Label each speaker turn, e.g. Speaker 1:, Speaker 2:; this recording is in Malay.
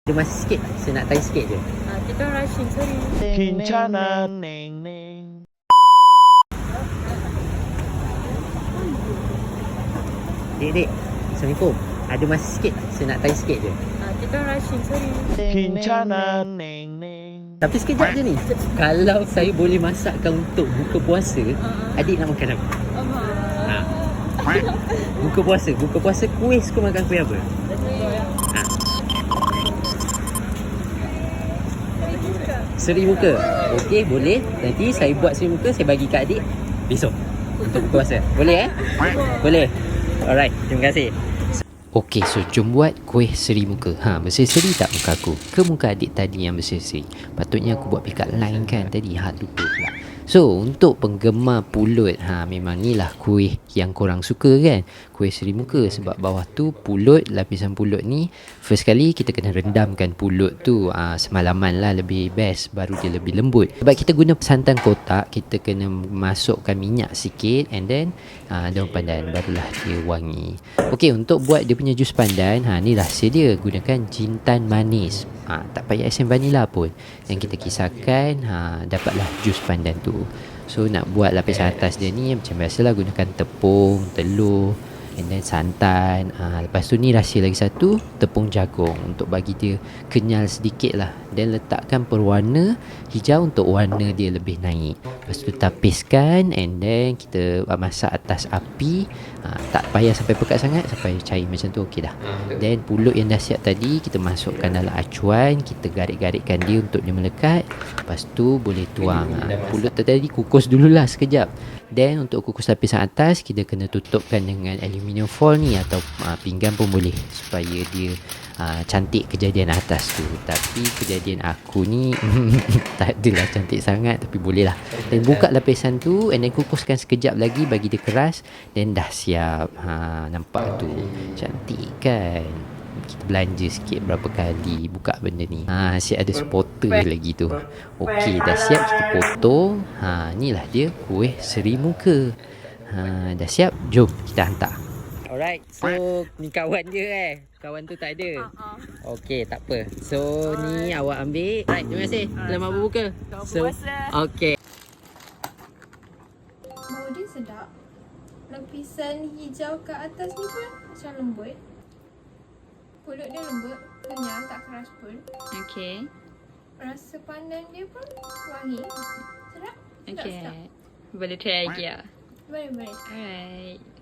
Speaker 1: Ada masa sikit, saya nak tanya sikit je.
Speaker 2: Kita rushing, sorry.
Speaker 3: Kincana neng neng.
Speaker 1: Dek, Assalamualaikum. Ada masa sikit, saya nak tanya sikit je.
Speaker 2: Kita rushing, sorry.
Speaker 3: Kincana neng neng.
Speaker 1: Tapi sekejap je ni. Kalau saya boleh masakkan untuk buka puasa, adik nak makan apa? Ha. Buka puasa kuih suka makan kuih apa? Ha. Seri muka. Okey, boleh. Nanti saya buat seri muka, saya bagi kat adik besok untuk buka puasa. Boleh Boleh. Alright, terima kasih. Okey, so jom buat kuih seri muka. Berseri-seri tak muka aku? Ke muka adik tadi yang berseri-seri? Patutnya aku buat pikat lain kan tadi. Lupa pula. So, untuk penggemar pulut, memang ni lah kuih yang korang suka kan? Kuih seri muka. Sebab bawah tu pulut, lapisan pulut ni, first kali kita kena rendamkan pulut tu semalaman lah, lebih best. Baru dia lebih lembut. Sebab kita guna santan kotak, kita kena masukkan minyak sikit, and then daun pandan, barulah dia wangi. Okey, untuk buat dia punya jus pandan, ni rahsia dia. Gunakan jintan manis. Tak payah esen vanila pun. Yang kita kisarkan, dapatlah jus pandan tu. So nak buat lapisan atas dia ni macam biasalah, gunakan tepung, telur, and then santan. Lepas tu ni rahsia lagi satu, tepung jagung untuk bagi dia kenyal sedikit lah. Dan letakkan perwarna hijau untuk warna dia lebih naik. Lepas tu tapiskan, and then kita masak atas api. Tak payah sampai pekat sangat, sampai cair macam tu okey dah. Then pulut yang dah siap tadi kita masukkan dalam acuan, kita garik-garikkan dia untuk dia melekat. Lepas tu boleh tuang. Pulut tadi kukus dululah sekejap. Then untuk kukus lapisan atas, kita kena tutupkan dengan aluminium foil ni, atau pinggan pun boleh, supaya dia cantik kejadian atas tu. Tapi kejadian aku ni tak adalah cantik sangat, tapi boleh lah. Dan buka lapisan tu, and then kukuskan sekejap lagi bagi dia keras. Then dah siap. Nampak tu cantik kan? Kita belanja sikit berapa kali buka benda ni. Asyik ada supporter lagi tu. Okey, dah siap, kita potong. Inilah dia kuih seri muka. Dah siap, jom kita hantar. Alright, so ni kawan dia kawan tu tak ada. Okey, tak apa. So ni awak ambil. Alright, terima kasih. Selamat berbuka. So, okey.
Speaker 4: Bau dia sedap. Lapisan hijau kat atas ni pun macam lembut. Pulut dia lembut, kenyal, tak keras pun.
Speaker 2: Okay.
Speaker 4: Rasa pandan dia pun wangi. Sedap.
Speaker 2: Okay. Boleh try lagi ya?
Speaker 4: Boleh.
Speaker 2: Alright.